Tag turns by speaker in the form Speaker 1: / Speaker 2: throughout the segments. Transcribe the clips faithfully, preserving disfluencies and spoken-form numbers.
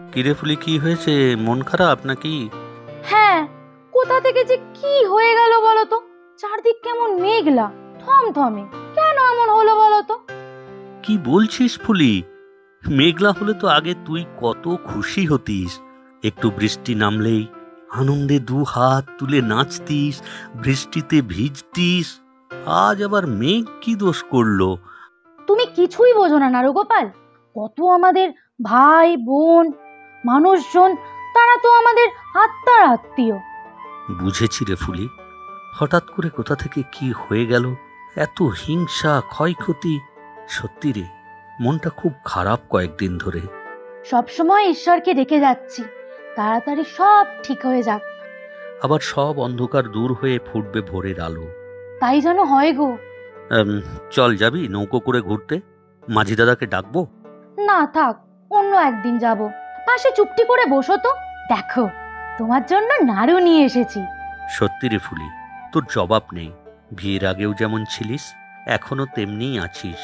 Speaker 1: কিরে ফুলি, কি হয়েছে? মন খারাপ নাকি?
Speaker 2: হ্যাঁ, কোথা থেকে যে কি হয়ে গেল বলো তো। চারদিক কেমন মেঘলা থমথমে, কেন এমন হলো বলো তো?
Speaker 1: কি বলছিস ফুলি? মেঘলা হলে তো আগে তুই কত খুশি হতিস। একটু বৃষ্টি নামলেই আনন্দে দু হাত তুলে নাচতিস, বৃষ্টিতে ভিজতিস। আজ আবার মেঘ কি দোষ করলো?
Speaker 2: তুমি কিছুই বোঝো না নারুগোপাল। কত আমাদের ভাই বোন মানুষজন, তারা তো আমাদের আত্মার আত্মীয়।
Speaker 1: বুঝেছি রে ফুলি। হঠাৎ করে কোথা থেকে কি হয়ে গেল, এত হিংসা ক্ষয়ক্ষতি। সত্যি রে, মনটা খুব খারাপ কয়েকদিন ধরে।
Speaker 2: সবসময় ঈশ্বরকে ডেকে যাচ্ছি, তাড়াতাড়ি সব ঠিক হয়ে যাক।
Speaker 1: আবার সব অন্ধকার দূর হয়ে ফুটবে ভোরের আলো।
Speaker 2: তাই যেন হয় গো।
Speaker 1: আম, চল, যাবি নৌকো করে ঘুরতে? মাঝি দাদাকে ডাকবো?
Speaker 2: না থাক, অন্য একদিন যাব। পাশে চুপটি করে বসো তো, দেখো তোমার জন্য নাড়ু নিয়ে এসেছি।
Speaker 1: সত্যি রে ফুলি, তোর জবাব নেই। বিয়ের আগেও যেমন ছিলিস, এখনো তেমনিই আছিস।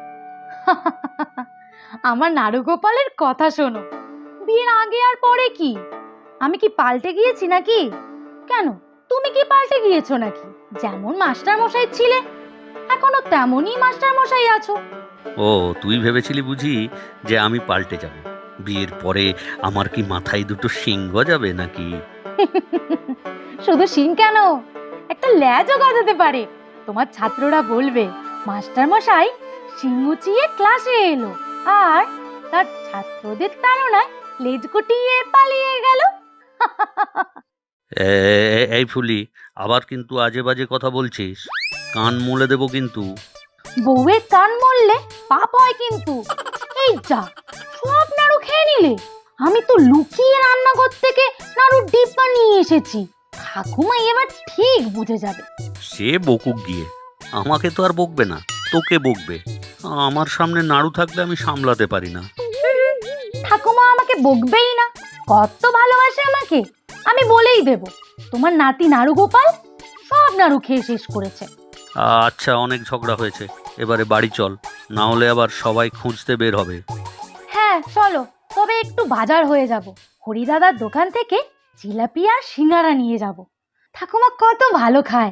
Speaker 2: আমার নারুগোপালের কথা শোনো। বিয়ের আগে আর পরে কি আমি কি পাল্টে গিয়েছি নাকি? কেন, তুমি কি পাল্টে গিয়েছো নাকি? যেমন মাস্টার মশাই ছিলে, এখনো তেমনই মাস্টার মশাই আছো।
Speaker 1: ও, তুই ভেবেছিলি বুঝি যে আমি পাল্টে যাব? বিয়ের পরে আমার কি মাথায় দুটো শিং গজাবে নাকি?
Speaker 2: শুধু শিং কেন, একটা ল্যাজও গজাতে পারে। তোমার ছাত্ররা বলবে মাস্টার মশাই শিং উঁচিয়ে ক্লাসে এলো, আর তার ছাত্রদের তাড়নায় লেজ গুটিয়ে পালিয়ে গেল।
Speaker 1: এ- এ- এই ফুলি, আবার কিন্তু আজে বাজে কথা বলছিস। কান মুলে দেবো কিন্তু।
Speaker 2: বউয়ের কান মরলে পাপ হয় কিন্তু। এই যা, সব নাড়ু খেয়ে নিলে। আমি তো লুকিয়ে রান্নাঘর থেকে নাড়ুর ডিব্বা নিয়ে এসেছি। ঠাকুমা এবার ঠিক বুঝে যাবে।
Speaker 1: সে বকুক গিয়ে, আমাকে তো আর বকবে না, তোকে বকবে। আমার সামনে নাড়ু থাকলে আমি সামলাতে পারি না।
Speaker 2: ঠাকুমা আমাকে বকবেই না, কত ভালোবাসে আমাকে। আমি বলেই দেব, তোমার নাতি নাড়ু গোপাল সব নাড়ু খেয়ে শেষ করেছে।
Speaker 1: আচ্ছা, অনেক ঝগড়া হয়েছে, এবারে বাড়ি চল, না হলে আবার সবাই খুঁজতে বের হবে।
Speaker 2: হ্যাঁ চলো, তবে একটু বাজার হয়ে যাব। হরিদাদার দোকান থেকে জিলাপি আর সিঙ্গারা নিয়ে যাব। ঠাকুমা কত ভালো খায়।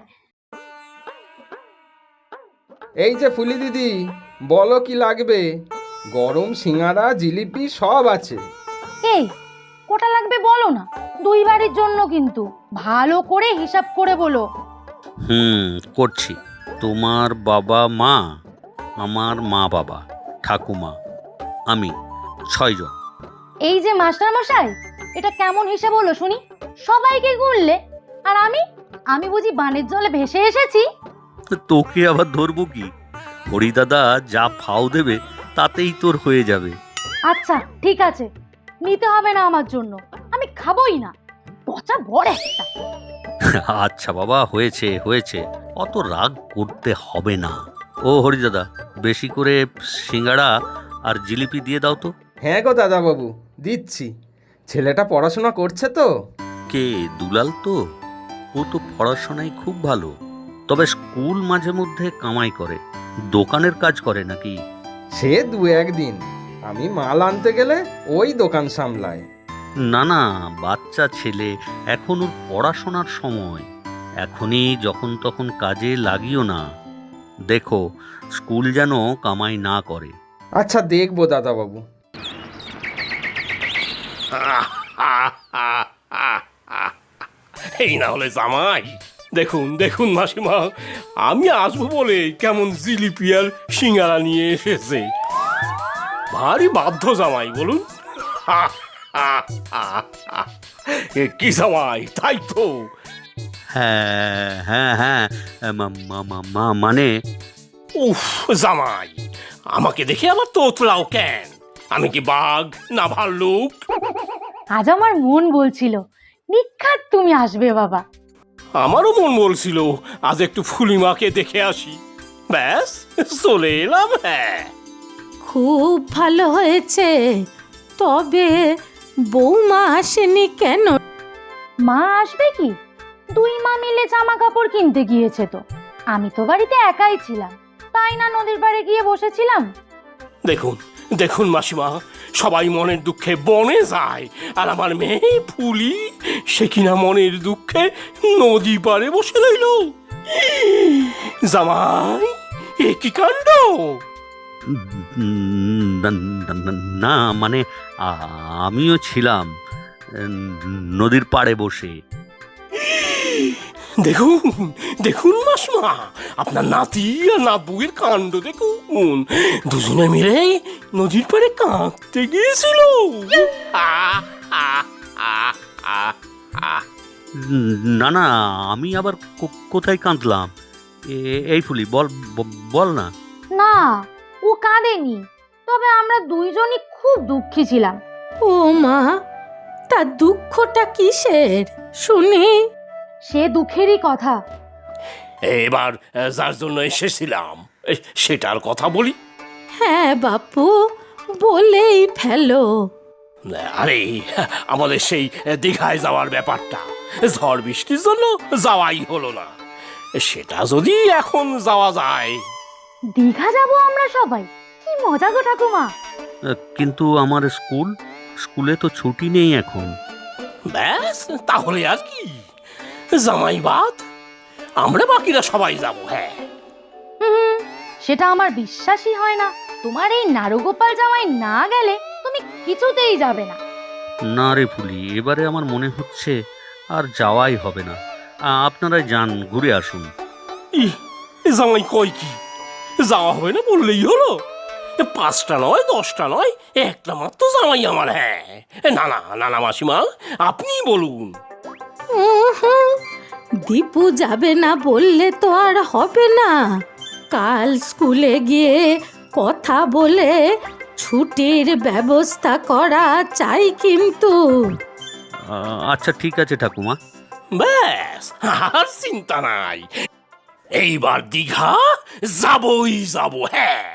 Speaker 3: এই যে ফুলি দিদি, বলো কি লাগবে? গরম সিঙাড়া জিলিপি সব আছে।
Speaker 2: এই কোটা লাগবে বলো না, দুই বাড়ির জন্য কিন্তু। ভালো করে হিসাব করে বলো।
Speaker 1: হুম, করছি। তোমার বাবা মা, আমার মা বাবা, ঠাকুমা, আমি, ছয়জন।
Speaker 2: এই যে মাস্টার মশাই, এটা কেমন হিসাব হলো শুনি? সবাইকে গুনলে, আর আমি আমি বুঝি বানের জলে ভেসে এসেছি?
Speaker 1: তোকে আবার ধরবো কি? হরিদাদা যা ফাও দেবে তাতেই তোর হয়ে যাবে।
Speaker 2: আচ্ছা ঠিক আছে, নিতে হবে না আমার জন্য, আমি খাবোই না। পচা বড় একটা।
Speaker 1: আচ্ছা বাবা, হয়েছে হয়েছে, অত রাগ করতে হবে না। ও হরিদাদা, বেশি করে সিঙ্গাড়া আর জিলিপি দিয়ে দাও তো।
Speaker 3: হ্যাঁ গো দাদাবাবু, দিচ্ছি। ছেলেটা পড়াশোনা করছে তো।
Speaker 1: কে, দুলাল তো? ও তো পড়াশোনায় খুব ভালো, তবে স্কুল মাঝে মধ্যে কামাই করে। দোকানের কাজ করে নাকি?
Speaker 3: সে দু একদিন, আমি মাল আনতে গেলে ওই দোকান সামলায়।
Speaker 1: না না, বাচ্চা ছেলে, এখন ওর পড়াশোনার সময়। এখনই যখন তখন কাজে লাগিও না। দেখো, স্কুল যেন কামাই না করে।
Speaker 3: আচ্ছা দেখবো দাদাবাবু।
Speaker 4: এই না হলে জামাই, দেখুন দেখুন মাসিমা, আমি আসবো বলে কেমন জিলিপি আর সিঙ্গারা নিয়ে এসেছে। ভারী বাধ্য জামাই বলুন। এ কি জামাই, তাই তো?
Speaker 1: হ্যাঁ হ্যাঁ হ্যাঁ, মা- মা- মা- মা- মানে
Speaker 4: উফ জামাই, আমাকে দেখে আবার তোতলাও কেন? আমি কি বাঘ না ভাল্লুক?
Speaker 2: আজ আমার মন বলছিল নিখাত তুমি আসবে বাবা।
Speaker 4: আমারও মন বলছিল আজ একটু ফুলিমাকে দেখে আসি। ব্যাস চলে এলাম। হ্যাঁ,
Speaker 5: খুব ভালো হয়েছে, তবে বৌমা আসেনি কেন?
Speaker 2: মা আসবে কি? দুই মা মিলে জামা কাপড় কিনতে গিয়েছে তো। আমি তো বাড়িতে একাই ছিলাম, তাই না নদীর পাড়ে গিয়ে বসেছিলাম।
Speaker 4: দেখুন দেখুন মাসিমা, সবাই মনের দুঃখে বনে যায়, আর আমার মেয়ে ফুলি সে কিনা মনের দুঃখে নদী পাড়ে বসে রইল। জামাই, এ কি কাণ্ড!
Speaker 1: উম, না- না- না মানে আ- আমিও ছিলাম উম, নদীর পাড়ে বসে।
Speaker 4: দেখুন দেখুন মাসমা, আপনার নাতি আর নাতবুয়ের কাণ্ড দেখুন, দুজনে মিলে নদীর পাড়ে কাঁদতে গিয়েছিল। আহ, আহ, আহ, আহ, আহ।
Speaker 1: উম, না না, আমি আবার কো- কোথায় কাঁদলাম? এ- এই ফুলি, বল ব- বল না।
Speaker 2: না, ও কাঁদেনি, তবে আমরা দুইজনই খুব দুঃখী ছিলাম।
Speaker 5: ও মা, তা দুঃখটা কিসের শুনি?
Speaker 2: সে দুঃখেরই কথা।
Speaker 4: এবার আহ, যার জন্য এসেছিলাম এ, সেটার কথা বলি।
Speaker 5: হ্যাঁ বাপু, বলেই ফেলো।
Speaker 4: আরে, আমাদের সেই দীঘায় যাওয়ার ব্যাপারটা, ঝড় বৃষ্টির জন্য যাওয়াই হলো না। সেটা যদি এখন যাওয়া যায়।
Speaker 2: দীঘা যাব আমরা সবাই, কি মজা গো ঠাকুমা।
Speaker 1: আহ, কিন্তু আমার স্কুল স্কুলে তো ছুটি নেই এখন।
Speaker 4: ব্যাস, তাহলে আর কি, জামাই বাদ, আমরা বাকিরা সবাই যাব। হ্যাঁ,
Speaker 2: হুম, সেটা আমার বিশ্বাসই হয় না। তোমার এই নারুগোপাল জামাই না গেলে তুমি কিছুতেই যাবে না।
Speaker 1: না রে ফুলি, এবারে আমার মনে হচ্ছে আর যাওয়াই হবে না। আ- আপনারাই যান, ঘুরে আসুন।
Speaker 4: ই, জামাই কয় কি, যাওয়া হবে না বললেই হলো। পাঁচটা নয়, দশটা নয়, একটা মাত্র জামাই আমার। হ্যাঁ, না না না না মাসিমা, আপনি বলুন।
Speaker 5: উহুম, দীপু যাবে না বললে তো আর হবে না। কাল স্কুলে গিয়ে কথা বলে ছুটির ব্যবস্থা করা চাই কিন্তু।
Speaker 1: আ- আচ্ছা ঠিক আছে ঠাকুমা।
Speaker 4: ব্যাস, আর চিন্তা নাই, এইবার দীঘা যাবই যাব। হ্যাঁ,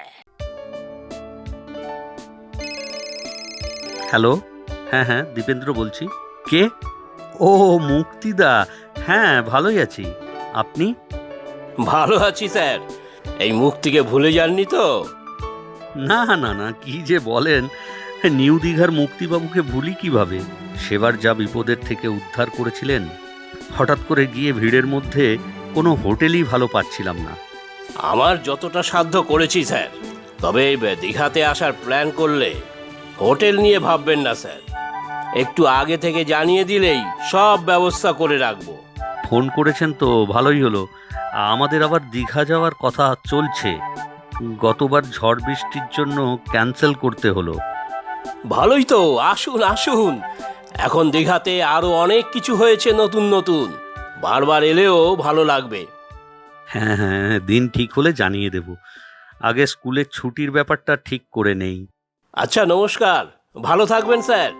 Speaker 1: হ্যালো, হ্যাঁ হ্যাঁ, দীপেন্দ্র বলছি। কে? ও, মুক্তিদা। হ্যাঁ, ভালোই আছি। আপনি?
Speaker 4: ভালো আছি স্যার। এই মুক্তিকে ভুলে যাননি তো?
Speaker 1: না না না, কি যে বলেন, নিউ দীঘার মুক্তিবাবুকে ভুলি কিভাবে? সেবার যা বিপদের থেকে উদ্ধার করেছিলেন। হঠাৎ করে গিয়ে ভিড়ের মধ্যে কোনো হোটেলই ভালো পাচ্ছিলাম না।
Speaker 4: আমার যতটা সাধ্য করেছি স্যার, তবে দীঘাতে আসার প্ল্যান করলে হোটেল নিয়ে ভাববেন না স্যার, একটু আগে থেকে জানিয়ে দিলেই সব ব্যবস্থা করে রাখবো।
Speaker 1: ফোন করেছেন তো ভালোই হলো। আমাদের আবার দীঘা যাওয়ার কথা চলছে। গতবার ঝড় বৃষ্টির জন্য ক্যান্সেল করতে হলো।
Speaker 4: ভালোই তো, আসুন আসুন, এখন দীঘাতে আরো অনেক কিছু হয়েছে নতুন নতুন, বারবার এলেও ভালো লাগবে।
Speaker 1: হ্যাঁ হ্যাঁ, দিন ঠিক হলে জানিয়ে দেব। আগে স্কুলের ছুটির ব্যাপারটা ঠিক করে নেই।
Speaker 4: আচ্ছা, নমস্কার, ভালো থাকবেন স্যার।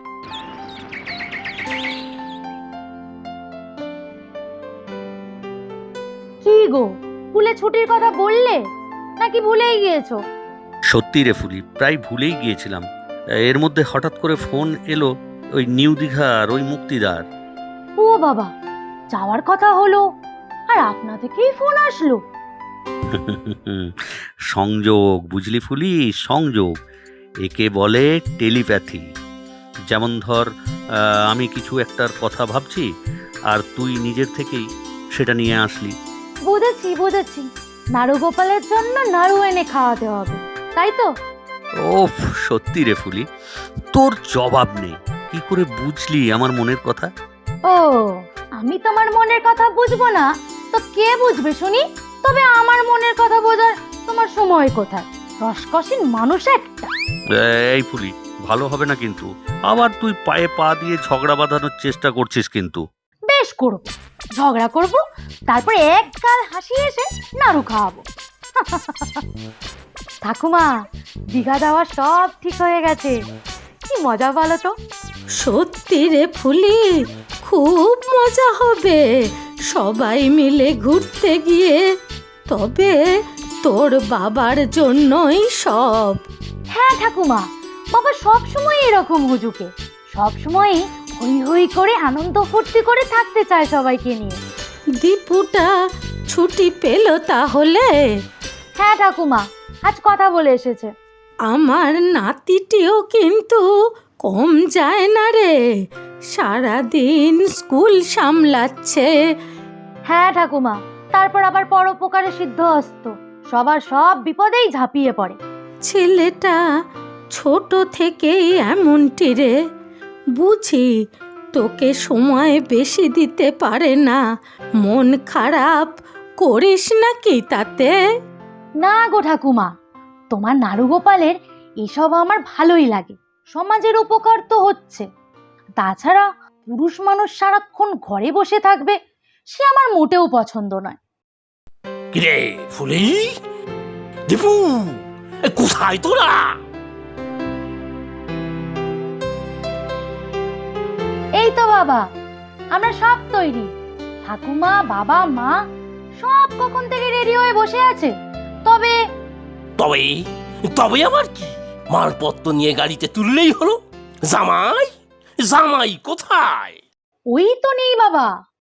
Speaker 2: কি গো, স্কুলে ছুটির কথা বললে নাকি ভুলেই গিয়েছো?
Speaker 1: সত্যি রে ফুলি, প্রায় ভুলেই গিয়েছিলাম। এর মধ্যে হঠাৎ করে ফোন এলো ওই নিউ দীঘার ওই মুক্তিদার।
Speaker 2: ও বাবা, যাওয়ার কথা হলো আর আপনা থেকেই ফোন আসলো।
Speaker 1: সংযোগ, বুঝলি ফুলি, সংযোগ। একে বলে টেলিপ্যাথি। যেমন ধর, আহ, আমি কিছু একটার কথা ভাবছি আর তুই নিজের থেকেই সেটা নিয়ে আসলি।
Speaker 2: বুঝেছি বুঝেছি, নাড়ুগোপালের জন্য নাড়ু এনে খাওয়াতে হবে, তাই তো?
Speaker 1: ওফ, সত্যি রে ফুলি, তোর জবাব নেই। কি করে বুঝলি আমার মনের কথা?
Speaker 2: ও, আমি তোমার মনের কথা বুঝবো না তো কে বুঝবে শুনি? তবে আমার মনের কথা বোঝার তোমার সময় কোথায়? রসকসীন মানুষ একটা।
Speaker 1: এই ফুলি, ভালো হবে না কিন্তু। আবার তুই পায়ে পা দিয়ে ঝগড়া বাঁধানোর চেষ্টা করছিস কিন্তু।
Speaker 2: বেশ করব, ঝগড়া করব, তারপরে এক গাল হাসি এসে নাড়ু খাওয়াবো। ঠাকুমা, দীঘা যাওয়া সব ঠিক হয়ে গেছে। কি মজা বলো তো?
Speaker 5: সত্যি রে ফুলি, খুব মজা হবে সবাই মিলে ঘুরতে গিয়ে। তবে তোর বাবার জন্যই সব।
Speaker 2: হ্যাঁ ঠাকুমা, বাবা সব সময় এরকম হুজুকে, সব সময় হই হই করে আনন্দ ফুর্তি করে থাকতে চায় সবাইকে নিয়ে।
Speaker 5: দীপুটা ছুটি পেল তাহলে?
Speaker 2: হ্যাঁ ঠাকুমা, আজ কথা বলে এসেছে।
Speaker 5: আমার নাতিটিও কিন্তু কম যায় না রে, সারাদিন স্কুল সামলাচ্ছে।
Speaker 2: হ্যাঁ ঠাকুমা, তারপর আবার পরোপকারে সিদ্ধহস্ত, সবার সব বিপদেই ঝাঁপিয়ে পড়ে।
Speaker 5: ছেলেটা ছোট থেকেই এমনটি রে, বুঝি তোকে সময় বেশি দিতে পারে না, মন খারাপ করিস নাকি তাতে?
Speaker 2: না গো ঠাকুমা, তোমার নাড়ুগোপালের এসব আমার ভালোই লাগে, সমাজের উপকার তো হচ্ছে। তাছাড়া পুরুষ মানুষ সারাক্ষণ ঘরে বসে থাকবে, সে আমার মোটেও পছন্দ নয়।
Speaker 4: কিরে ফুলি, দীপু, এ কোথায় তোরা?
Speaker 2: এই তো বাবা, আমরা সব তৈরি। ঠাকুমা, বাবা, মা সব কখন থেকে রেডি হয়ে বসে আছে। তবে
Speaker 4: তবে তবে আবার কি, মালপত্র নিয়ে গাড়িতে তুললেই হলো। জামাই জামাই কোথায়?
Speaker 2: ওই তো নেই বাবা।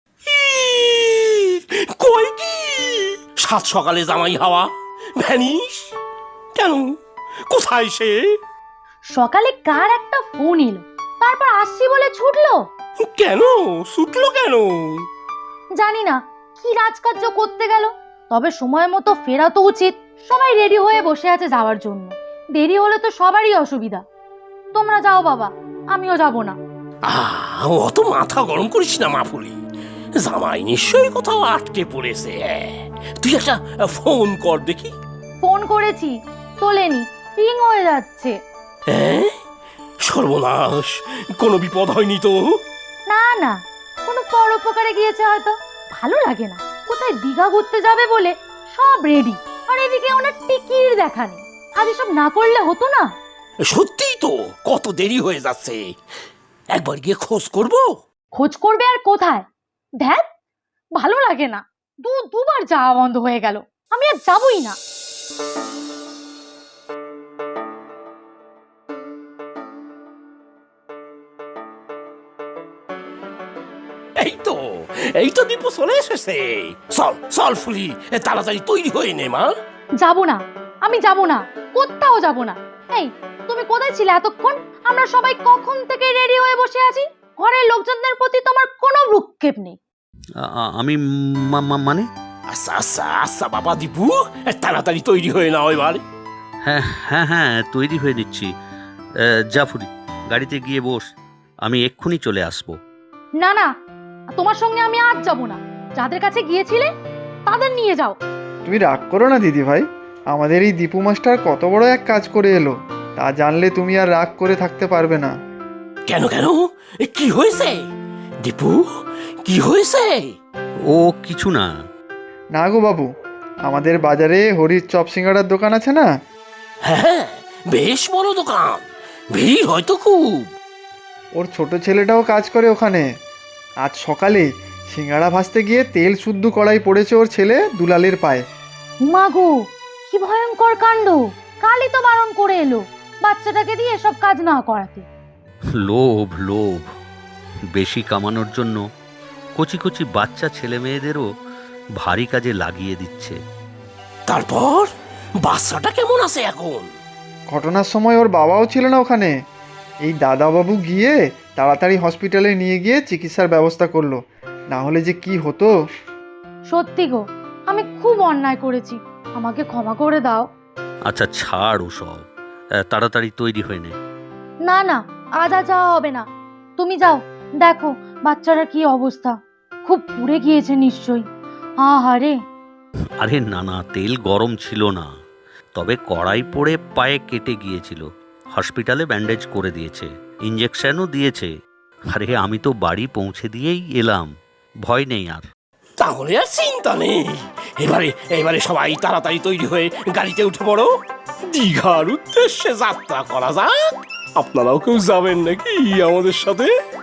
Speaker 4: ইস, কই কি সাত সকালে জামাই হাওয়া ভ্যানিস কেন? কোথায় সে?
Speaker 2: সকালে কার একটা ফোন এলো, তারপর আসছি বলে ছুটলো।
Speaker 4: কেন ছুটলো কেন?
Speaker 2: জানি না কি রাজকার্য করতে গেল, তবে সময় মতো ফেরা তো উচিত। সবাই রেডি হয়ে বসে আছে যাওয়ার জন্য, দেরি হলে তো সবারই অসুবিধা। তোমরা যাও বাবা, আমিও যাব না।
Speaker 4: আহ, অত মাথা গরম করিস না মা ফুলি, জামাই নিশ্চয়ই কোথাও আটকে পড়েছে। তুই একটা ফোন কর দেখি।
Speaker 2: ফোন করেছি, তোলেনি, রিং হয়ে যাচ্ছে।
Speaker 4: হ্যাঁ, সর্বনাশ, কোনো বিপদ হয়নি তো?
Speaker 2: না না, কোনো পরোপকারে গিয়েছে হয়তো। ভালো লাগে না, কোথায় দীঘা ঘুরতে যাবে বলে সব রেডি, আর এদিকে ওনার টিকির দেখা নেই। আজ এসব না করলে হতো না।
Speaker 4: সত্যিই তো কত দেরি হয়ে যাচ্ছে, একবার গিয়ে খোঁজ করব।
Speaker 2: খোঁজ করবে আর কোথায়? ধ্যাত, ভালো লাগে না, দু দুবার যাওয়া বন্ধ হয়ে গেল, আমি আর যাবই না।
Speaker 4: এই তো এই তো দীপু চলে এসেছে। চল চল ফুলি, তাড়াতাড়ি তৈরি হয়ে নে মা।
Speaker 2: যাব না, আমি যাব না, কোথাও যাব না। এই, তুমি কোথায় ছিলে এতক্ষণ? আমরা সবাই কখন থেকে রেডি হয়ে বসে আছি, ঘরের লোকজনদের প্রতি তোমার কোনো ভ্রুক্ষেপ নেই।
Speaker 1: আ- আ- আমি মা- মা- মানে
Speaker 4: আচ্ছা আচ্ছা আচ্ছা বাবা দীপু, তাড়াতাড়ি তৈরি হয়ে নাও এবার।
Speaker 1: হ্যাঁ হ্যাঁ হ্যাঁ তৈরি হয়ে নিচ্ছি। আহ, জাফরি, গাড়িতে গিয়ে বস, আমি এক্ষুনি চলে আসবো।
Speaker 2: না না, তোমার সঙ্গে আমি আজ যাব না। যাদের কাছে গিয়েছিলে তাদের নিয়ে যাও।
Speaker 6: তুমি রাগ করো না দিদি ভাই, আমাদের এই দীপু মাস্টার কত বড় এক কাজ করে এলো, তা জানলে তুমি আর রাগ করে থাকতে পারবে না।
Speaker 4: কেন কেন, এ কি হয়েছে দীপু, কি হয়েছে?
Speaker 1: ও কিছু না।
Speaker 6: না গো বাবু, আমাদের বাজারে হরির চপ সিঙ্গাড়ার দোকান আছে না?
Speaker 4: হ্যাঁ, বেশ বড় দোকান, ভিড় হয়তো খুব।
Speaker 6: ওর ছোট ছেলেটাও কাজ করে ওখানে। আজ সকালে সিঙ্গাড়া ভাজতে গিয়ে তেল শুদ্ধ কড়াই পড়েছে ওর ছেলে দুলালের পায়ে।
Speaker 2: মা গো, কি ভয়ঙ্কর কাণ্ড! কালই তো বারণ করে এলো বাচ্চাটাকে দিয়ে এসব কাজ না করাতে।
Speaker 1: লোভ লোভ, বেশি কামানোর জন্য কচি কচি বাচ্চা ছেলে মেয়েদেরও ভারী কাজে লাগিয়ে দিচ্ছে।
Speaker 4: তারপর বাচ্চাটা কেমন আছে এখন?
Speaker 6: ঘটনার সময় ওর বাবাও ছিল না ওখানে। এই দাদাবাবু গিয়ে তাড়াতাড়ি হসপিটালে নিয়ে গিয়ে চিকিৎসার ব্যবস্থা করলো, না হলে যে কি হতো।
Speaker 2: সত্যি গো, আমি খুব অন্যায় করেছি, আমাকে ক্ষমা করে দাও।
Speaker 1: আচ্ছা ছাড় ওসব, আহ, তাড়াতাড়ি তৈরি হয়ে নে।
Speaker 2: না না, আজ আর যাওয়া হবে না। তুমি যাও, দেখো বাচ্চাটার কি অবস্থা, খুব পুড়ে গিয়েছে নিশ্চয়ই। আহারে।
Speaker 1: আরে না না, তেল গরম ছিল না, তবে কড়াই পড়ে পায়ে কেটে গিয়েছিল। হসপিটালে ব্যান্ডেজ করে দিয়েছে, ইঞ্জেকশনও দিয়েছে। আরে আমি তো বাড়ি পৌঁছে দিয়েই এলাম, ভয় নেই আর।
Speaker 4: তাহলে আর চিন্তা নেই। এবারে এবারে সবাই তাড়াতাড়ি তৈরি হয়ে গাড়িতে উঠে পড়ো, দীঘার উদ্দেশ্যে যাত্রা করা যাক। আপনারাও কেউ যাবেন নাকি আমাদের সাথে?